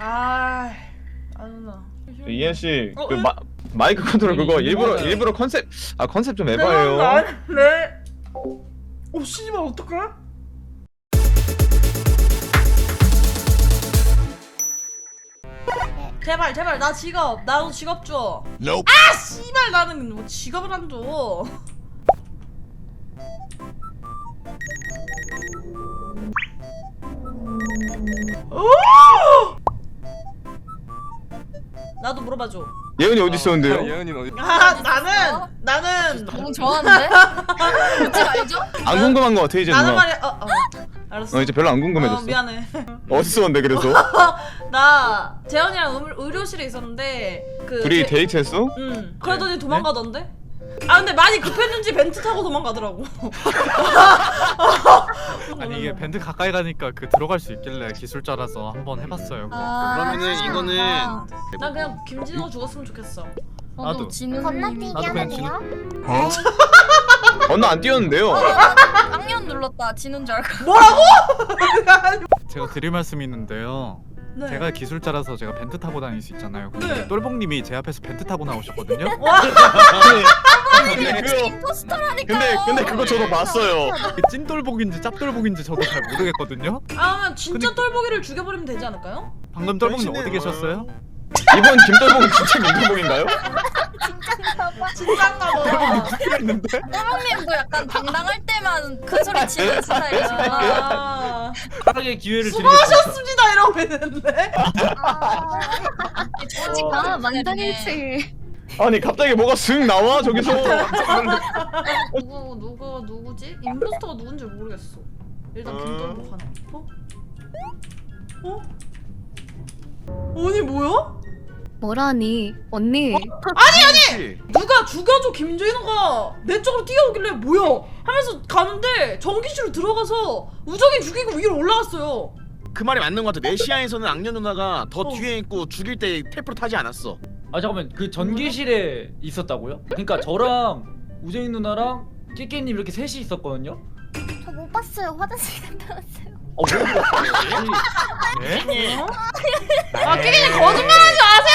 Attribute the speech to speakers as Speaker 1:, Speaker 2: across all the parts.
Speaker 1: 안나.
Speaker 2: 이현 씨, 그 마이크 컨트롤 그거 일부러 컨셉 좀 해봐요.
Speaker 1: 네. 오 씨발 어떡해? 제발 나 직업 나도 직업 줘.
Speaker 3: Nope.
Speaker 1: 아 씨발 나는 뭐 직업을 안 줘. 나도 물어봐줘.
Speaker 2: 예은이 어디 있었는데요?
Speaker 4: 예은이는 어디?
Speaker 1: 나는
Speaker 5: 너무 좋아하는데? 뭔지 알죠?
Speaker 2: 안 궁금한 거 같아 이제
Speaker 1: 나는
Speaker 2: 누나.
Speaker 1: 말이야. 알았어.
Speaker 2: 이제 별로 안 궁금해졌어.
Speaker 1: 미안해.
Speaker 2: 어디 있었는데 그래서?
Speaker 1: 나 재현이랑 의료실에 있었는데 그
Speaker 2: 둘이 데이트했어?
Speaker 1: 응. 그러더니 도망가던데? 아 근데 많이 급했는지 벤트 타고 도망가더라고.
Speaker 4: 아니 이게 밴드 가까이 가니까 그 들어갈 수 있길래 기술자라서 한번 해봤어요.
Speaker 3: 그러면은 이거는
Speaker 1: 난 그냥 김진호 죽었으면 좋겠어.
Speaker 4: 나도.
Speaker 5: 진우님
Speaker 6: 건너뛰기
Speaker 4: 나도 그냥
Speaker 6: 하면 돼요?
Speaker 2: 어? 건너 안 뛰었는데요?
Speaker 5: 쌍년 눌렀다. 진우인 줄 알고.
Speaker 4: 제가 드릴 말씀이 있는데요.
Speaker 1: 네.
Speaker 4: 제가 기술자라서 제가 벤트 타고 다닐 수 있잖아요. 근데
Speaker 1: 네.
Speaker 4: 똘봉님이 제 앞에서 벤트 타고 나오셨거든요.
Speaker 5: 임포스터라니까요.
Speaker 2: 근데 그거 저도 봤어요.
Speaker 4: 그 찐똘복인지 짭똘복인지 저도 잘 모르겠거든요.
Speaker 1: 아 진짜 똘보기를 죽여버리면 되지 않을까요?
Speaker 4: 방금 똘복님 어디 계셨어요?
Speaker 2: 이번 김똘봉 진짜 김똘봉인가요?
Speaker 1: 진짠가 봐.
Speaker 4: 죽겠는데?
Speaker 5: 똘봉님도 약간 당당할 때만 큰 소리 치는 스타일이시구나.
Speaker 7: 빠르게 기회를
Speaker 1: 수고하셨습니다 이러고 있는데.
Speaker 5: 아, 만장일치.
Speaker 2: 아니 갑자기 뭐가 슥 나와 저기서.
Speaker 1: 누구지? 임포스터가 누군지 모르겠어. 일단 김똘보 하나. 어? 아니 뭐야?
Speaker 6: 뭐라니 언니
Speaker 1: 아니 누가 죽여줘 김진호가 내 쪽으로 뛰어오길래 뭐야 하면서 가는데 전기실로 들어가서 우정이 죽이고 위로 올라갔어요.
Speaker 3: 그 말이 맞는 것 같아. 내시아에서는 악녀 누나가 더 뒤에 있고 죽일 때 텔프로 타지 않았어.
Speaker 7: 아 잠깐만 그 전기실에 있었다고요? 그러니까 저랑 우정이 누나랑 끼끼님 이렇게 셋이 있었거든요?
Speaker 6: 저 못 봤어요. 화장실 갔다 왔어요.
Speaker 7: 뭐
Speaker 4: 네?
Speaker 1: 아 끼끼님 거짓말하지 마세요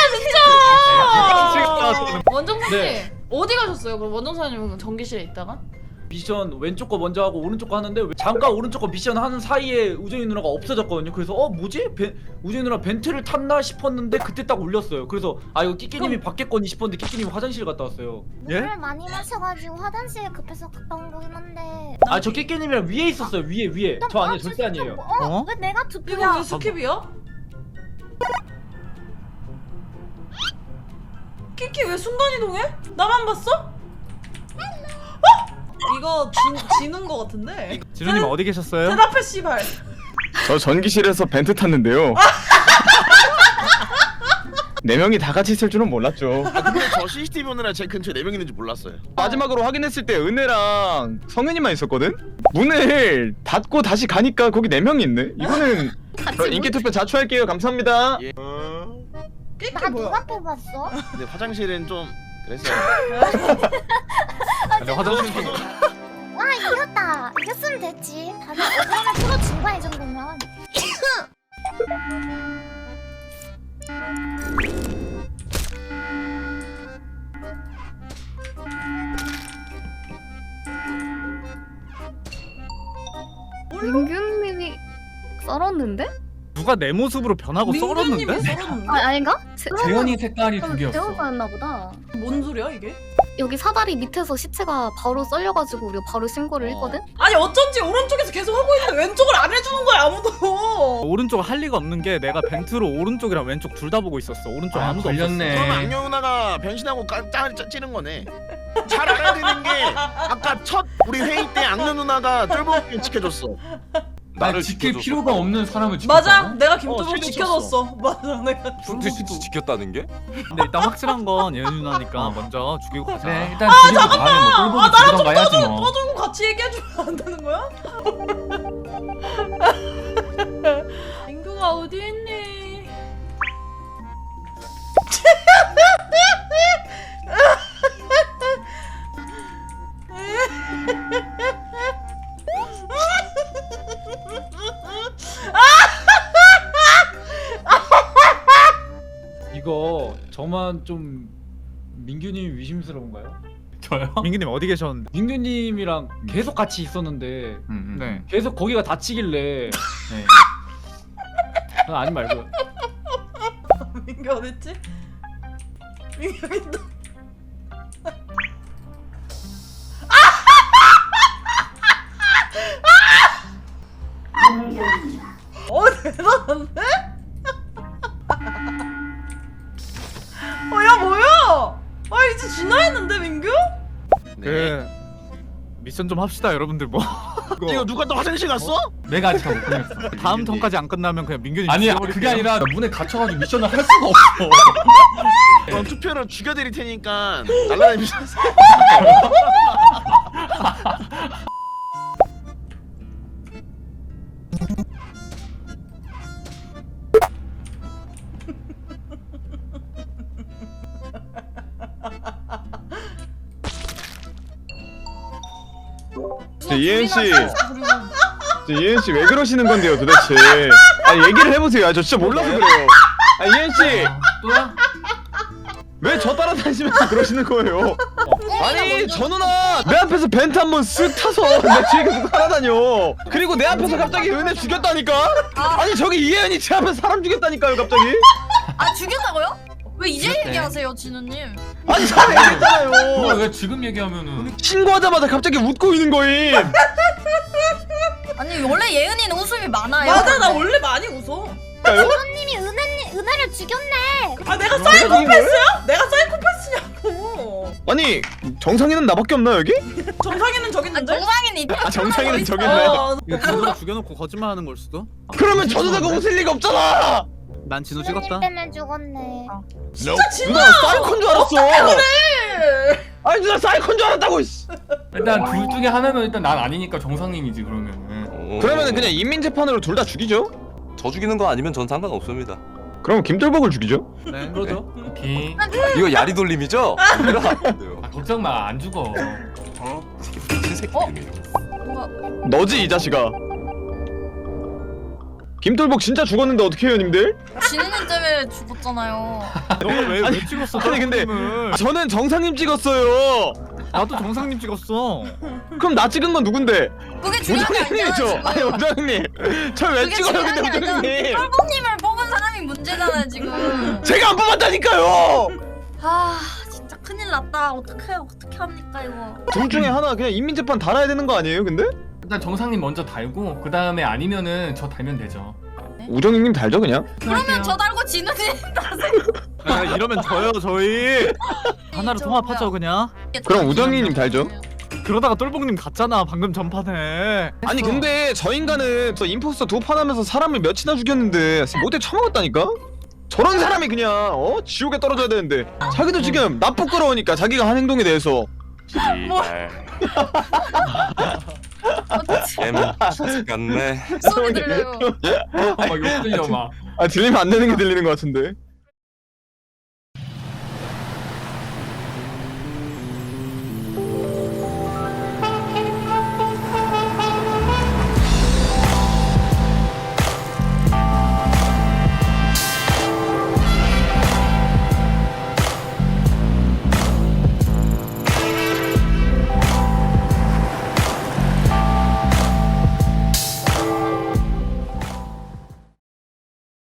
Speaker 1: 진짜. 원정사님
Speaker 7: 네.
Speaker 1: 어디 가셨어요? 그럼 원정사님은 전기실에 있다가?
Speaker 7: 미션 왼쪽 거 먼저 하고 오른쪽 거 하는데 잠깐 오른쪽 거 미션 하는 사이에 우정이 누나가 없어졌거든요. 그래서 뭐지? 우정이 누나 벤트를 탔나 싶었는데 그때 딱 울렸어요. 그래서 이거 끼끼님이 받겠거니 싶었는데 끼끼님이 화장실 갔다 왔어요.
Speaker 4: 예?
Speaker 6: 물을 많이 마셔가지고 화장실에 급해서 갔다 온 거긴 한데.
Speaker 7: 저 끼끼님이랑 위에 있었어요. 위에. 저 아니에요. 절대 아니에요.
Speaker 4: 어?
Speaker 6: 왜 내가
Speaker 1: 이거
Speaker 6: 투표야?
Speaker 1: 왜 스킵이야? 끼끼 왜 순간이동해? 나만 봤어? 이거 지는 거 같은데?
Speaker 4: 진우님 어디 계셨어요?
Speaker 1: 대답해 씨발.
Speaker 2: 저 전기실에서 벤트 탔는데요. 네 명이 다 같이 있을 줄은 몰랐죠.
Speaker 3: 근데 저 CCTV 보느라 제 근처에 4명 있는지 몰랐어요.
Speaker 2: 마지막으로 확인했을 때 은혜랑 성현이만 있었거든? 문을 닫고 다시 가니까 거기 4명이 있네? 이거는 인기 투표 자초할게요. 감사합니다.
Speaker 3: 예.
Speaker 1: 끼끼
Speaker 6: 나
Speaker 1: 뭐야?
Speaker 6: 누가 뽑았어?
Speaker 3: 근데 화장실은 좀 그랬어요.
Speaker 4: 근데 화장실
Speaker 6: 와 이겼다. 이겼으면 됐지. 다들 오빠를 풀어준 거야 이 정도면.
Speaker 8: 민규님이 썰었는데?
Speaker 4: 누가 내 모습으로 변하고
Speaker 1: 민규님이
Speaker 4: 썰었는데?
Speaker 1: 썰었는데?
Speaker 8: 아닌가?
Speaker 7: 재현이 색깔이 두 개였어.
Speaker 8: 재호가였나 보다.
Speaker 1: 뭔 소리야 이게?
Speaker 8: 여기 사다리 밑에서 시체가 바로 썰려가지고 우리가 바로 신고를 했거든?
Speaker 1: 아니 어쩐지 오른쪽에서 계속 하고 있는데 왼쪽을 안 해주는 거야 아무도.
Speaker 4: 오른쪽 할 리가 없는 게 내가 벤트로 오른쪽이랑 왼쪽 둘 다 보고 있었어. 오른쪽 아무도
Speaker 7: 걸렸네.
Speaker 3: 그러면 악녀 누나가 변신하고 찌는 거네. 잘 알아야 되는 게 아까 첫 우리 회의 때 악녀 누나가 쫄보기 지켜줬어.
Speaker 9: 나를 지킬 필요가 없는 사람을 지켰다.
Speaker 1: 맞아 내가 김도복
Speaker 3: 실력
Speaker 1: 지켜줬어. 맞아 내가.
Speaker 9: 지켰다는 게?
Speaker 4: 근데 일단 확실한 건 예은 누나니까 먼저 죽이고 가자.
Speaker 9: 네, 일단 죽이고 가면 뭐 똘보기
Speaker 1: 나랑 좀
Speaker 9: 죽이던가 해야지 뭐.
Speaker 1: 떠들고 같이 얘기해주면 안 되는 거야? 민규가 어디 있니?
Speaker 7: 저만 좀 민규님 위심스러운가요?
Speaker 9: 저요?
Speaker 4: 민기님 어디 계셨는데?
Speaker 7: 민규님이랑 계속 같이 있었는데
Speaker 4: 네.
Speaker 7: 계속 거기가 닫히길래
Speaker 9: 네.
Speaker 7: 아니 말고
Speaker 1: 민규 어딨지? 민규 여기 있다. 대단한데? 야 뭐야? 이제 진화했는데 민규?
Speaker 4: 그 미션 좀 합시다 여러분들 뭐.
Speaker 3: 이거 누가 또 화장실 갔어?
Speaker 9: 내가 아직 못 끝냈어.
Speaker 4: 다음 턴까지 안 끝나면 그냥 민규님
Speaker 9: 아니야
Speaker 4: 죽여버릴게요.
Speaker 9: 그게 아니라 문에 갇혀가지고 미션을 할 수가 없어.
Speaker 3: 그럼 투표로 죽여드릴 테니까 날라다니면서.
Speaker 2: 이엔 씨, 이엔 씨 왜 그러시는 건데요, 도대체? 아니 얘기를 해보세요. 저 진짜 몰라서 그래요. 이엔 씨,
Speaker 9: 또야?
Speaker 2: 왜 저 따라다니시면서 그러시는 거예요? 아니 저 누나 내 앞에서 벤트 한번 쓱 타서 내 뒤에 계속 따라다녀. 그리고 내 앞에서 갑자기 은혜 죽였다니까? 아니 저기 이혜연이 제 앞에서 사람 죽였다니까요, 갑자기?
Speaker 5: 아 죽였다고요? 왜 이제
Speaker 9: 죽였대.
Speaker 5: 얘기하세요 진우님?
Speaker 2: 아니 전에
Speaker 9: 그걸
Speaker 2: 얘기했잖아요.
Speaker 9: 왜 지금 얘기하면은?
Speaker 2: 신고하자마자 갑자기 웃고 있는 거임.
Speaker 5: 아니 원래 예은이는 웃음이 많아요.
Speaker 1: 맞아 나 원래 많이 웃어.
Speaker 6: 님이 은혜를 죽였네.
Speaker 1: 내가 사이코패스야? 내가 사이코패스냐고.
Speaker 2: 아니 정상이는 나밖에 없나 여기?
Speaker 1: 정상이는 저기 있는데?
Speaker 5: 정상인 있.
Speaker 2: 정상이는 저기 있나요?
Speaker 4: 이거 진우가 죽여놓고 거짓말하는 걸 수도?
Speaker 2: 그러면 저 누나가 웃을 리가 없잖아.
Speaker 4: 난 진우 찍었다.
Speaker 6: 때문에 죽었네.
Speaker 1: 진짜 진우.
Speaker 2: 누나 사이콘 줄 알았어.
Speaker 1: 그래.
Speaker 2: 아니 누나 사이콘 줄 알았다고. 씨.
Speaker 9: 일단 둘 중에 하나면 일단 난 아니니까 정상님이지 그러면은.
Speaker 2: 그러면은 그냥 인민재판으로 둘 다 죽이죠.
Speaker 10: 저 죽이는 거 아니면 전 상관없습니다.
Speaker 2: 그럼 김돌복을 죽이죠.
Speaker 4: 네.
Speaker 7: 그러죠.
Speaker 9: 오케이.
Speaker 10: 이거 야리 돌림이죠?
Speaker 9: 아, 걱정 마 안 죽어.
Speaker 10: 미친 새끼들이네.
Speaker 2: 너지 이 자식아. 김돌복 진짜 죽었는데 어떻게 해요, 님들?
Speaker 5: 진우님 때문에 죽었잖아요.
Speaker 4: 너가 왜 찍었어?
Speaker 2: 아니 근데
Speaker 4: 떨어짐을?
Speaker 2: 저는 정상님 찍었어요.
Speaker 4: 나도 정상님 찍었어.
Speaker 2: 그럼 나 찍은 건 누군데?
Speaker 5: 그게 중요한 게 아니잖아
Speaker 2: 우정님이죠.
Speaker 5: 지금.
Speaker 2: 아니 우정님. 저 왜
Speaker 5: 그게
Speaker 2: 찍어요,
Speaker 5: 중요한
Speaker 2: 근데
Speaker 5: 게 아니잖아.
Speaker 2: 우정님?
Speaker 5: 똘봉님을 뽑은 사람이 문제잖아요 지금.
Speaker 2: 제가 안 뽑았다니까요.
Speaker 5: 아 진짜 큰일 났다. 어떻게 합니까 이거?
Speaker 2: 둘 중에 하나 그냥 인민재판 달아야 되는 거 아니에요, 근데?
Speaker 9: 일단 정상님 먼저 달고 그 다음에 아니면은 저 달면 되죠.
Speaker 2: 우정님 달죠 그냥?
Speaker 5: 그러면 저 달고 진우님
Speaker 4: 이러면 져요 저희. 하나로 통합하죠 그냥.
Speaker 2: 그럼 우정이님 달죠.
Speaker 4: 그러다가 똘봉님 갔잖아 방금 전판에.
Speaker 2: 아니 근데 저 인간은 저 임포스터 2판 하면서 사람을 몇이나 죽였는데 못해 처먹었다니까? 저런 사람이 그냥 지옥에 떨어져야 되는데 자기도 지금 나 부끄러우니까 자기가 한 행동에 대해서
Speaker 10: 씨발. 같네.
Speaker 5: 소리 들려요.
Speaker 9: 막 욕 들려 막.
Speaker 2: 들리면 안 되는 게 들리는 것 같은데